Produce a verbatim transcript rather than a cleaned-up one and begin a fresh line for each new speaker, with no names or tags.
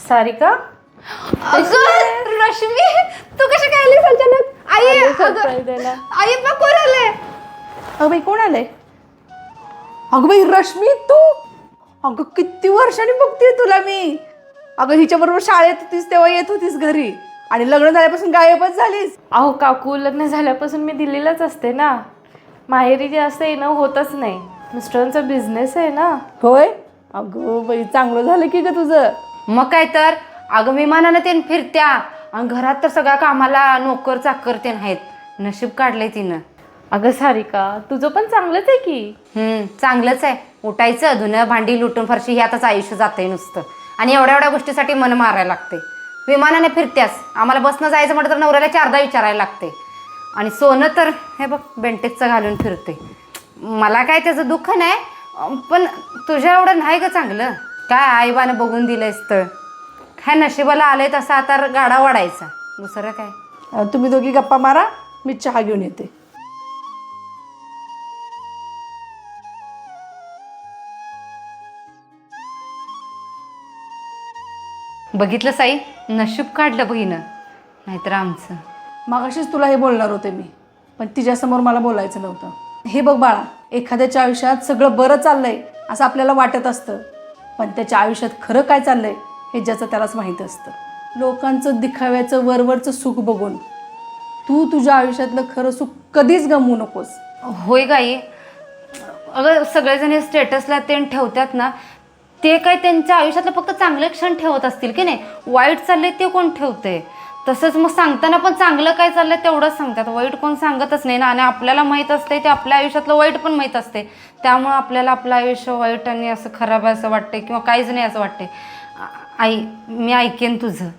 सारिका
अगं रश्मी तू कशी काय आलीस अचानक? आई अगं, आई बा कोण आलंय?
अगं बाई कोण आलंय? अगं बाई रश्मी तू, अगं किती वर्षांनी बघते तुला मी. अगं हिच्या बरोबर शाळेत होतीस तेव्हा येत होतीस घरी आणि लग्न झाल्यापासून गायबच झालीस.
अहो काकू, लग्न झाल्यापासून मी दिल्लीलाच असते ना. माहेरी जे असं येणं होतच नाही. मिस्टरांचा बिझनेस आहे ना.
होय. अगं बाई चांगलं झालं की ग तुझं.
मग काय तर, अगं विमानानं ते फिरत्या आणि घरात तर सगळ्या कामाला नोकर चाकर ते आहेत. नशीब काढलंय तिनं.
अगं सारिका, तुझं पण चांगलंच आहे की.
हम्म चांगलंच आहे. उठायचं, धुणं भांडी लुटून फरशी ह्यातच आयुष्य जातंय नुसतं. आणि एवढ्या एवढ्या गोष्टीसाठी मन मारायला लागते. विमानाने फिरत्यास, आम्हाला बसनं जायचं म्हटलं तर नवऱ्याला चारदा विचारायला लागते. आणि सोनं तर हे बघ बेंटेक्सचं घालून फिरते. मला काय त्याचं दुःख नाही, पण तुझ्या एवढं नाही ग चांगलं. काय आईबानं बघून दिलंयस तर काय नशिबाला आलंय तसा आता गाडा वाढायचा, दुसरं काय.
अं, तुम्ही दोघी गप्पा मारा, मी चहा घेऊन येते.
बघितलं साई, नशीब काढलं बहिणं, नाहीतर आमचं.
मागाशीच तुला हे बोलणार होते मी, पण तिच्यासमोर मला बोलायचं नव्हतं. हे बघ बाळा, एखाद्याच्या आयुष्यात सगळं बरं चाललंय असं आपल्याला वाटत असतं, पण त्याच्या आयुष्यात खरं काय चाललंय हे ज्याचं त्यालाच माहीत असतं. लोकांचं दिखाव्याचं वरवरचं सुख बघून तू तुझ्या आयुष्यातलं खरं सुख कधीच गमवू नकोस.
होय गाई, अगं सगळेजण हे स्टेटसला ते ठेवतात ना, ते काय त्यांच्या आयुष्यातलं फक्त चांगले क्षण ठेवत असतील की नाही. वाईट चाललंय ते कोण ठेवते? तसंच मग सांगताना पण चांगलं काय चाललंय तेवढंच सांगतात, वाईट कोण सांगतच नाही ना. आणि आपल्याला माहीत असते ते आपल्या आयुष्यातलं वाईट पण माहीत असते, त्यामुळं आपल्याला आपलं आयुष्य वाईट आणि असं खराब आहे असं वाटते किंवा काहीच नाही असं वाटते. आई मी ऐकेन तुझं.